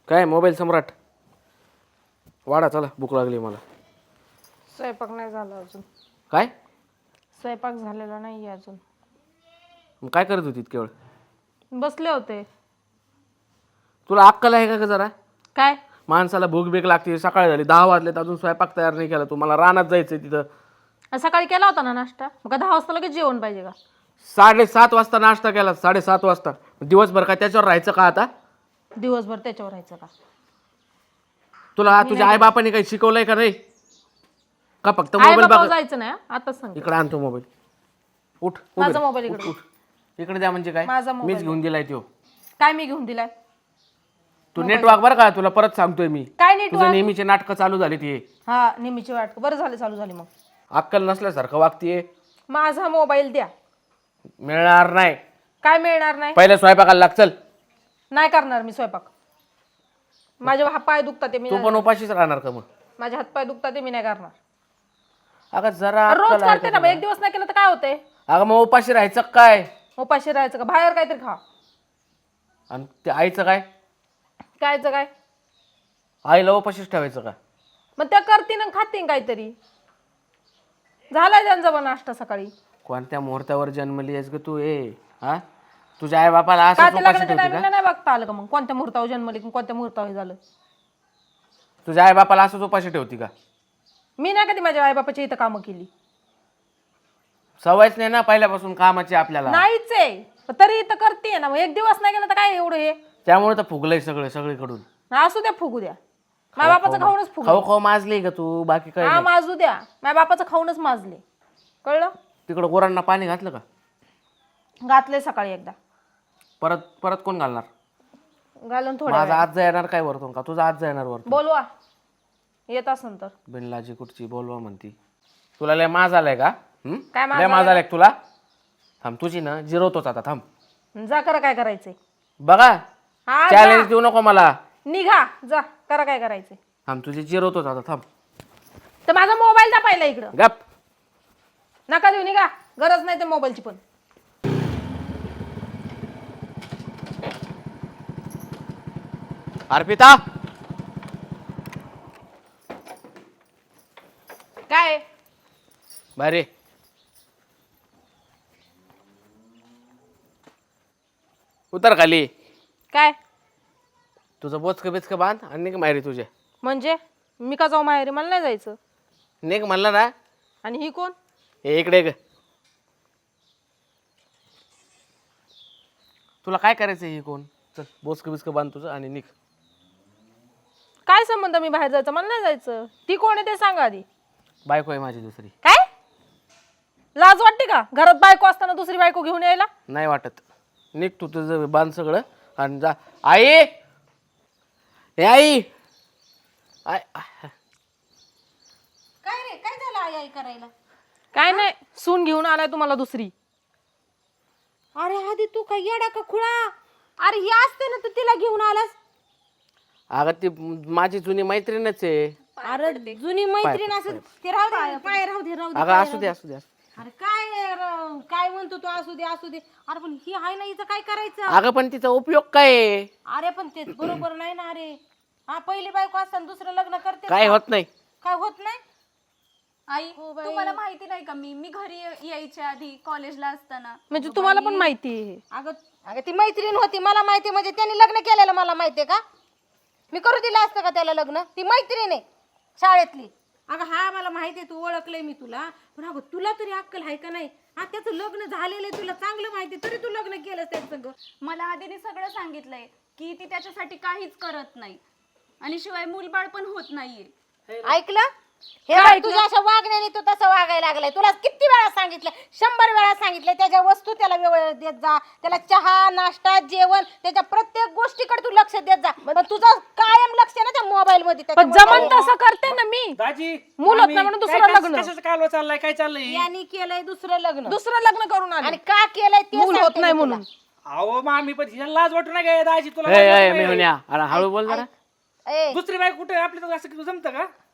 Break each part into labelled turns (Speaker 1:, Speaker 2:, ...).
Speaker 1: काय मोबाईल सम्राट वाडा चला भूक लागली मला.
Speaker 2: स्वयंपाक नाही झाला अजून.
Speaker 1: काय
Speaker 2: स्वयंपाक झालेला नाही अजून.
Speaker 1: मग काय करत होती केवळ?
Speaker 2: बसले होते.
Speaker 1: तुला अक्कल आहे का जरा?
Speaker 2: काय
Speaker 1: माणसाला भूक बीक लागते, सकाळ झाली 10 वाजलेत अजून स्वयंपाक तयार नाही केला. तुम्हाला रानात जायचंय तिथं.
Speaker 2: सकाळी केला होता ना नाश्ता, मग 10 वाजता लगेच जेवण पाहिजे का?
Speaker 1: 7:30 वाजता नाश्ता केला, 7:30 वाजता. दिवसभर काय त्याच्यावर राहायचं का आता?
Speaker 2: दिवसभर त्याच्यावर राहायचं का?
Speaker 1: तुला तुझ्या आई बापाने काही शिकवलंय का नाही? का फक्त
Speaker 2: आई
Speaker 1: मोबाईल
Speaker 2: बाबा
Speaker 1: बघ.
Speaker 2: जायचं नाही आताच सांग.
Speaker 1: इकडे आणतो मोबाईल. उठ
Speaker 2: माझा मोबाईल इकडे.
Speaker 1: इकडे द्या. म्हणजे काय?
Speaker 2: माझा मोबाईल
Speaker 1: मीच घेऊन दिलाय तो.
Speaker 2: काय मी घेऊन दिलाय?
Speaker 1: तू नेटवर्क बरं का, तुला परत सांगतोय मी.
Speaker 2: काय नीट
Speaker 1: तुझं नेहमीचे नाटकं चालू झाली ती.
Speaker 2: हा नेहमीची वाट बरं झालं चालू झाली. मग
Speaker 1: अक्कल नसल्यासारखं वागतीये.
Speaker 2: माझा मोबाईल द्या.
Speaker 1: मिळणार नाही.
Speaker 2: काय मिळणार नाही?
Speaker 1: पहिले स्वयंपाकाला लाग. चल.
Speaker 2: नाही करणार मी स्वयंपाक. माझे पाय दुखतात ते मी
Speaker 1: तू पण उपाशीच राहणार का मग?
Speaker 2: माझे हात पाय दुखतात ते मी नाही करणार.
Speaker 1: अगं जरा
Speaker 2: रोज
Speaker 1: अक्कल आहे
Speaker 2: करते
Speaker 1: का
Speaker 2: ना, मग एक दिवस नाही केलं तर काय होतंय?
Speaker 1: तुला? अगं मग उपाशी राहायचं काय?
Speaker 2: उपाशी राहायचं का? बाहेर काहीतरी खा.
Speaker 1: आणि ते आईचं काय?
Speaker 2: कायचं काय?
Speaker 1: आईला उपाशीच ठेवायचं का?
Speaker 2: मग त्या करतीन आणि खातीन काहीतरी. झालाय त्यांचा पण नाश्ता सकाळी.
Speaker 1: कोणत्या मुहूर्तावर जन्मली आहेस ग तू? हा तुझ्या आई बापाला
Speaker 2: का
Speaker 1: असं
Speaker 2: ते
Speaker 1: उपाशी
Speaker 2: लग्नाच्या
Speaker 1: ठेवते
Speaker 2: टायमिंगला
Speaker 1: का?
Speaker 2: नाही बघता आलं का? मग कोणत्या मुहूर्तावर जन्मले की कोणत्या मुहूर्तावर हे झालं?
Speaker 1: तुझ्या आई बापाला असंच उपाशी ठेवती का?
Speaker 2: मी नाही कधी माझ्या आई बापाची इथं कामं केली.
Speaker 1: सवयच नाही ना पहिल्यापासून कामाची आपल्याला.
Speaker 2: नाहीच आहे तरी इथं करते ना. मग एक दिवस नाही केलं तर काय एवढं हे?
Speaker 1: त्यामुळे तर फुगलंय सगळं सगळीकडून.
Speaker 2: असू द्या फुगू द्या. माझ्या बापाचं खाऊनच फुगू.
Speaker 1: खाऊ खाऊ माजली का तू? बाकी काय
Speaker 2: हा
Speaker 1: नाही.
Speaker 2: माजू द्या. माझ्या बापाचं खाऊनच माजले. कळलं?
Speaker 1: तिकडं गुरांना पाणी घातलं का?
Speaker 2: घातले सकाळी एकदा.
Speaker 1: परत परत कोण घालणार?
Speaker 2: घालून थोडं.
Speaker 1: माझा आज येणार काय वरतून का? तुझा आज येणार वरतून?
Speaker 2: बोलवा येत असन तर.
Speaker 1: बिनलाजी कुठची बोलवा म्हणती. तुला लय माज आलाय का?
Speaker 2: काय माज
Speaker 1: लय माज आलाय का तुला? थांब तुझी ना जिरवतोच आता. थांब
Speaker 2: जा करा काय करायचंय.
Speaker 1: बघा
Speaker 2: हा
Speaker 1: चॅलेंज देऊ नको मला.
Speaker 2: निघा जा करा काय करायचंय.
Speaker 1: थांब तुझी जिरवतोच आता. थांब.
Speaker 2: तर माझा मोबाईल द्या पहिला इकडं.
Speaker 1: गप.
Speaker 2: नका देऊ निघा. गरज नाही ते मोबाईलची पण.
Speaker 1: अर्पिता
Speaker 2: काय
Speaker 1: बाहेर ये. उतर खाली.
Speaker 2: काय
Speaker 1: तुझं बोचकं बिचकं बांध आणि निघ माहेरी तुझ्या.
Speaker 2: म्हणजे मी का जाऊ माहेरी? मला नाही जायचं.
Speaker 1: निघ म्हणलं ना.
Speaker 2: आणि ही कोण?
Speaker 1: हे इकडे ग. तुला काय करायचं? हे कोण? चल बोचकं बिचकं बांध तुझं आणि निघ.
Speaker 2: काय संबंध मी बाहेर जायचं? मला नाही जायचं. ती कोण आहे ते सांगा आधी.
Speaker 1: बायको आहे माझी दुसरी.
Speaker 2: काय लाज वाटते का? घरात बायको असताना दुसरी बायको घेऊन यायला?
Speaker 1: नाही वाटत. निघ तू तुझं बांध सगळं आणि जा. आई हे आई
Speaker 3: काय रे काय झालं आई आई करायला?
Speaker 2: काय नाही सून घेऊन आलाय तुम्हाला दुसरी.
Speaker 3: अरे आधी तू काय येडा का खुळा? अरे ही असते ना तू तिला घेऊन आलास.
Speaker 1: अगं ती माझी जुनी मैत्रीणच आहे.
Speaker 3: अरे जुनी मैत्रीण असं ते राहू दे पाय राहू दे राहू दे.
Speaker 1: अगं असू दे असू दे.
Speaker 3: अरे काय म्हणतो तू? असू दे असू दे. अरे पण ही आहे ना हिचं काय करायचं?
Speaker 1: अगं पण तिचा उपयोग काय आहे?
Speaker 3: अरे पण ते बरोबर नाही ना. अरे हा पहिली बायको असताना दुसरं लग्न करते
Speaker 1: काय होत नाही.
Speaker 3: काय होत नाही?
Speaker 4: आई तुम्हाला माहिती नाही का? मी घरी यायच्या आधी कॉलेजला असताना
Speaker 2: म्हणजे तुम्हाला पण माहिती आहे.
Speaker 3: अगं अगं ती मैत्रीण होती मला माहिती. म्हणजे त्यांनी लग्न केलेलं मला माहितीये का? मी करू दिलं असतं का त्याला लग्न? ती मैत्रीण आहे शाळेतली. अगं हा मला माहिती आहे. तू ओळखलंय मी तुला. पण अगं तुला तरी अक्कल आहे का नाही? हा त्याचं लग्न झालेलं आहे तुला चांगलं माहिती तरी तू लग्न केलं त्याचं.
Speaker 4: मला आधीने सगळं सांगितलंय की ती त्याच्यासाठी काहीच करत नाही आणि शिवाय मूलबाळ पण होत नाहीये.
Speaker 3: ऐकलं? हे बघ, तुझ्या अशा वागण्याने तू तसं वागायला लागलाय. तुला किती वेळा सांगितलं? 100 वेळा सांगितलं. त्याच्या वस्तू त्याला वेळ देत जा. त्याला चहा नाश्ता जेवण त्याच्या प्रत्येक गोष्टीकडे तू लक्ष देत जा. पण तुझं कायम लक्ष आहे ना त्या मोबाईल मध्ये.
Speaker 2: पण जमन तसं करते ना मी.
Speaker 5: दाजी
Speaker 2: मूल होत नाही म्हणून दुसरं लग्न.
Speaker 5: कशाचं कालवा चाललाय? काय चाललंय?
Speaker 3: यांनी केलंय दुसरं लग्न.
Speaker 2: दुसरं लग्न करून आले
Speaker 3: आणि का केलंय ते
Speaker 2: मूल होत
Speaker 3: सांगते
Speaker 2: नाही
Speaker 3: मी तुला.
Speaker 2: म्हणून.
Speaker 5: अहो मामी पण हिला लाज वाटू नये दाजी. तुला
Speaker 1: ए,
Speaker 5: लाज
Speaker 1: ए,
Speaker 5: वाटू नये?
Speaker 1: मेहुण्या. अरे हळू बोल जरा.
Speaker 3: ए,
Speaker 5: दुसरी बाई कुठे? आपल्या असं जमतं का?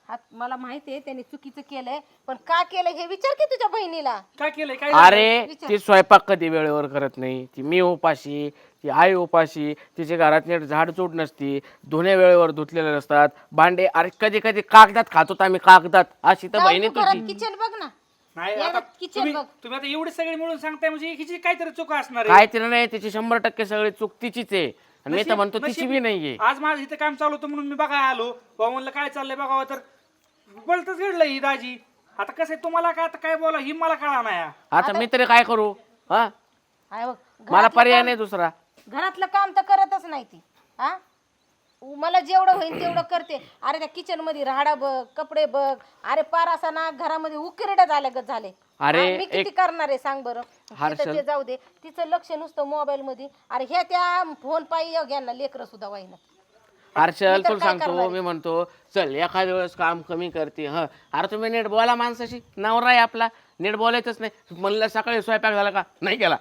Speaker 3: मला माहिती आहे त्यांनी चुकीचं केलंय, पण का केलं हे विचार की तुझ्या बहिणीला.
Speaker 5: काय केलंय काय
Speaker 1: अरे ती स्वयंपाक कधी वेळेवर करत नाही, ती मी उपाशी, ती आई उपाशी, तिच्या घरात नीट झाडचूड नसती, धुणे वेळेवर धुतलेले नसतात, भांडे अरे कधी कधी कागदात खातो आम्ही कागदात. अशी तर बहिणी तुझी.
Speaker 3: किचन बघ ना.
Speaker 5: नाही
Speaker 3: या
Speaker 5: आता
Speaker 3: किचन
Speaker 5: तुम्ही
Speaker 3: बघ.
Speaker 5: तुम्ही आता एवढे सगळे मिळून सांगताय म्हणजे हिची काहीतरी चूक असणार आहे.
Speaker 1: काय तिला नाही, तिची 100% सगळी चूक तिचीच आहे. आणि मी तर म्हणतो तिची बी नाहीये.
Speaker 5: आज माझं इथं काम चालू होतं म्हणून मी बघायला आलो. बाबा म्हणलं काय चाललंय बघावं, तर बोलतच घडलं ही दाजी. आता कसं आहे तुम्हाला काय आता काय बोला ही मला कळा नाही.
Speaker 1: आता मी तरी काय करू? हा
Speaker 3: आहे बघ,
Speaker 1: मला पर्याय नाही दुसरा.
Speaker 3: घरातलं काम तर करतच नाही ती. हा मला जेवढं होईल तेवढं करते. अरे त्या किचन मध्ये राहाडा बघ, कपडे बघ, अरे पार असा ना घरामध्ये उकिरडा झाल्यागत झाले.
Speaker 1: अरे,
Speaker 3: हा, मी किती करणार आहे सांग बरं. तिथं ते जाऊ दे, तिचं लक्ष नुसतं मोबाईल मध्ये. अरे हे त्या फोन पायी घ्या लेकरं सुद्धा वाईना.
Speaker 1: हर्षल तुला सांगतो, मी म्हणतो चल एखाद्या वेळेस काम कमी करते. ह अरे तुम्ही नीट बोला माणसाशी, नवरा आहे आपला, नीट बोलायचंच नाही. म्हणलं सकाळी स्वयंपाक झाला का? नाही केला.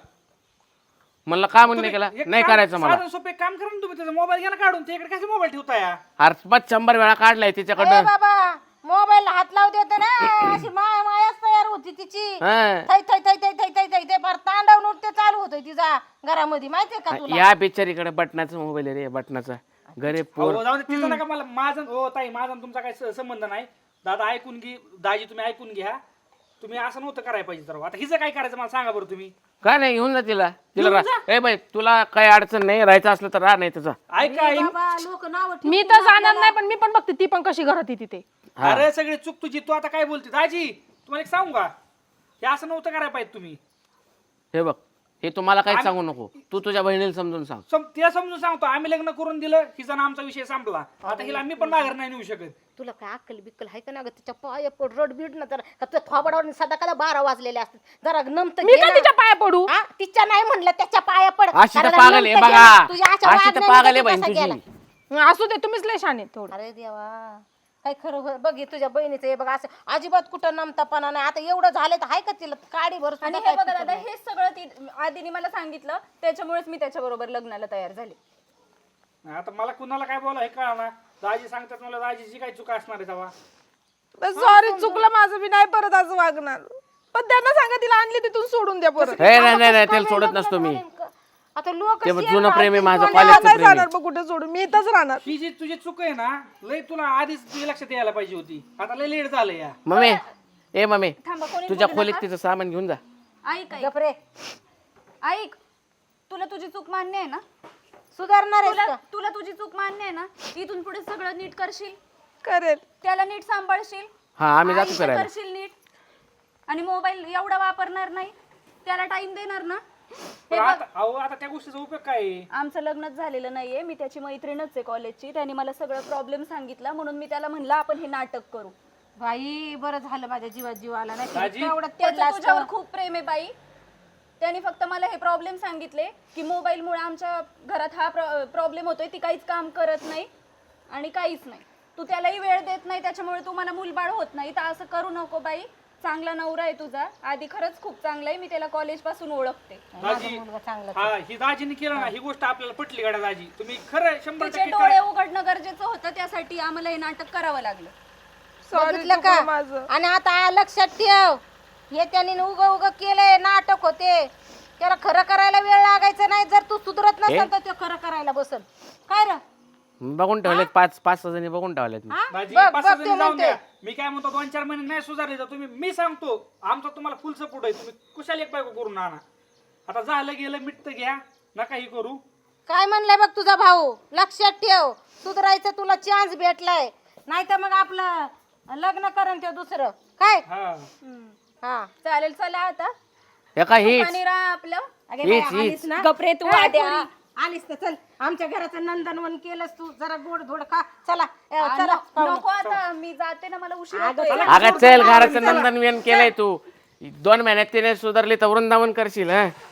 Speaker 1: म्हणलं का म्हणून नाही केला? नाही करायचं मला.
Speaker 5: साधं सोपे काम करा ना तुम्ही. त्याचा मोबाईल घ्या ना काढून, त्याकडे कसे मोबाईल ठेवताय?
Speaker 1: अरे मग 100 वेळा काढलाय
Speaker 3: ए
Speaker 1: तिच्याकडनं.
Speaker 3: बाबा मोबाईल हात लावू देत ना, अशी मायाच तयार होती तिची.
Speaker 1: हा.
Speaker 3: थै थै थै थै थै थै थै ते फार तांडव नृत्य चालू होतंय तिचा घरामध्ये, माहितीये का तुला?
Speaker 1: या बिचारीकडे बटनाचा मोबाईल आहे रे, बटनाचा. गरीब पोर.
Speaker 5: हो, जाऊ दे तिचं नका. मला माझं हो ताई, माझा आणि तुमचा काही संबंध नाही. दादा ऐकून घे, दाजी तुम्ही ऐकून घ्या. तुम्ही असं नव्हतं करायला पाहिजे. तर आता हिचं काय करायचं मला सांगा बरं तुम्ही.
Speaker 1: काय नाही, घेऊन जा तिला. ए बाई तुला काही अडचण नाही, राहायचं असलं तर राह, नाही त्याचा.
Speaker 5: ऐका
Speaker 3: बाबा लोक नाव
Speaker 2: मी तर जाणार नाही, पण मी पण बघते ती पण कशी घरात येते ते.
Speaker 5: अरे सगळी चूक तुझी. तू आता काय बोलते दाजी? तुम्हाला एक सांगू का, हे असं नव्हतं करायला पाहिजे तुम्ही.
Speaker 1: हे बघ, हे तुम्हाला काही सांगू नको. तू तुझ्या बहिणीला समजून सांग.
Speaker 5: तिला समजून सांगतो, आम्ही लग्न करून दिलं, हिचा ना आमचा विषय संपला. आता हिला मी पण माघार नाही नेऊ शकत.
Speaker 3: तुला काय अक्कल बिक्कल आहे का ना ग? तिच्या पाया पड रड बीड ना जरा, का तुझ्या थोबाडावर सदा कदा 12 वाजलेले असतात. जरा नमत
Speaker 2: मी का तिच्या पाया पडू?
Speaker 3: तिच्या नाही म्हणलं त्याच्या पाया पड.
Speaker 1: अशी तर
Speaker 3: जरा
Speaker 1: पागल आहे
Speaker 3: नमतं घे
Speaker 1: बघा,
Speaker 3: ना. तुझ्या अशा
Speaker 1: अशी तर
Speaker 3: वागण्याने
Speaker 1: पागल आहे
Speaker 3: तू
Speaker 1: बहीण
Speaker 3: कसा
Speaker 1: तुझी.
Speaker 3: गेला?
Speaker 2: असू दे, तुम्हीच लय शाने थोडं.
Speaker 3: अरे देवा काय खरं बघ, हे तुझ्या बहिणीचं हे बघ, असं अजिबात कुठं नमतापणा नाही. आता एवढं झालं तर आहे का तिला काडी भर
Speaker 4: आणि हे बघा दादा, हे सगळं ती आधीने मला सांगितलं, त्याच्यामुळेच मी त्याच्याबरोबर लग्नाला तयार झाले.
Speaker 5: आता मला कुणाला काय बोला हे कळा ना. दाजी सांगतात मला, दाजीची काय चूक असणार आहे तेव्हा.
Speaker 2: सॉरी, चुकलं माझं बी, नाही परत असं वागणार. पण त्यांना सांगा तिला आणली तिथून सोडून द्या परत.
Speaker 1: हे नाही नाही नाही, त्याला सोडत नसतो मी.
Speaker 3: आता लोक
Speaker 1: ते जुनं प्रेम आहे माझं,
Speaker 2: नाही
Speaker 1: कॉलेजचं प्रेम आहे.
Speaker 2: जाणार बघ कुठे सोडून, मी इथंच राहणार.
Speaker 5: ही जी तुझी चूक आहे ना, लय तुला आधीच तुझ्या लक्षात यायला पाहिजे होती. आता लय लेट झालं या.
Speaker 1: मम्मी, ए मम्मी,
Speaker 4: थांबा, कोणी
Speaker 1: तुझ्या
Speaker 4: बोलू
Speaker 1: खोलीत
Speaker 4: नका.
Speaker 1: तिचं सामान घेऊन जा.
Speaker 4: ऐक ऐक
Speaker 3: गपरे
Speaker 4: ऐक, तुला तुझी चूक मान्य आहे ना?
Speaker 3: सुधारणार आहेस
Speaker 4: तुला
Speaker 3: का?
Speaker 4: तुला तुझी चूक मान्य आहे ना? इथून पुढे सगळं नीट करशील,
Speaker 2: करेल.
Speaker 4: त्याला नीट सांभाळशील,
Speaker 1: हा आम्ही जातो
Speaker 4: आईचं
Speaker 1: फिरायला.
Speaker 4: करशील नीट, आणि मोबाईल एवढा वापरणार नाही, त्याला टाइम देणार ना?
Speaker 5: पण आता अहो, आता त्या गोष्टीचा उपयोग काय आहे?
Speaker 4: आमचं लग्नच झालेलं नाहीये, मी त्याची मैत्रीणच आहे कॉलेजची. त्याने मला सगळं प्रॉब्लेम सांगितला, म्हणून मी त्याला म्हणलं आपण हे नाटक करू.
Speaker 3: बाई बरं झालं, माझ्या जीवात जीव आला नाही तर
Speaker 5: दाजी,
Speaker 3: एवढं
Speaker 4: त्याचं
Speaker 3: पडलं
Speaker 4: तुझ्यावर
Speaker 3: असतं.
Speaker 4: खूप प्रेम आहे बाई. त्याने फक्त मला हे प्रॉब्लेम सांगितले की मोबाईलमुळे आमच्या घरात हा प्रॉब्लेम होतोय, ती काहीच काम करत नाही आणि काहीच नाही, तू त्यालाही वेळ देत नाही, त्याच्यामुळे तू मला मूलबाळ होत नाही. तर असं करू नको बाई. चांगला नवरा आहे तुझा, आधी खरंच खूप चांगला आहे, मी त्याला कॉलेज पासून ओळखते.
Speaker 5: दाजी,
Speaker 3: मुलगा चांगला.
Speaker 5: हा ही दाजीने केलं ना, ही गोष्ट आपल्याला पटली गाड्या दाजी. तुम्ही खरं 100%
Speaker 4: तिचे डोळे उघडणं गरजेचं होतं, त्यासाठी आम्हाला हे नाटक करावं लागलं.
Speaker 2: सॉरी
Speaker 3: बघितलं का?
Speaker 2: माझं.
Speaker 3: आणि आता लक्षात ठेव, हे त्यांनी उग केलंय, नाटक होते. त्याला खरं करायला वेळ लागायचा नाही. जर तू सुधरत नसेल तर तो खरं करायला बसल. काय रे
Speaker 1: बघून ठेवलेत, 5-6 जणी बघून ठेवलेत मी.
Speaker 5: दाजी
Speaker 3: बघ,
Speaker 5: 5
Speaker 3: बघ,
Speaker 5: जणी
Speaker 3: ते
Speaker 5: जाऊन
Speaker 3: म्हणते.
Speaker 5: द्या. मी काय म्हणतो 2-4 महिने नाही सुधारले तर तुम्ही, मी सांगतो आमचा तुम्हाला फुल सपोर्ट आहे. तुम्ही कुशाल एक बायको करून आणा. आता झालं गेलं, मिटतं घ्या, नका ही करू.
Speaker 3: काय म्हणलाय बघ तुझा भाऊ, लक्षात ठेव. सुधरायचं तुला चान्स भेटलाय, नाही तर मग आपलं लग्न करण ते दुसरं काय.
Speaker 5: हा
Speaker 3: हा
Speaker 4: चालेल, चला आता
Speaker 1: एका हीच
Speaker 4: आणि राहा आपलं.
Speaker 3: अगे बाई,
Speaker 1: हीच
Speaker 3: आलीस ना?
Speaker 4: गपरे तू
Speaker 3: काय
Speaker 4: आद्या.
Speaker 3: पोरी, आलीस तर चल, आमच्या घराचं नंदनवन केलंस तू. जरा गोड धोड खा. चला चला
Speaker 4: नको आता, मी जाते ना, मला उशीर
Speaker 3: अगं,
Speaker 4: होतोय.
Speaker 1: अगं चल, घराचं नंदनवन केलंय तू. 2 महिन्यात तिने सुधारली तर वृंदावन करशील. हा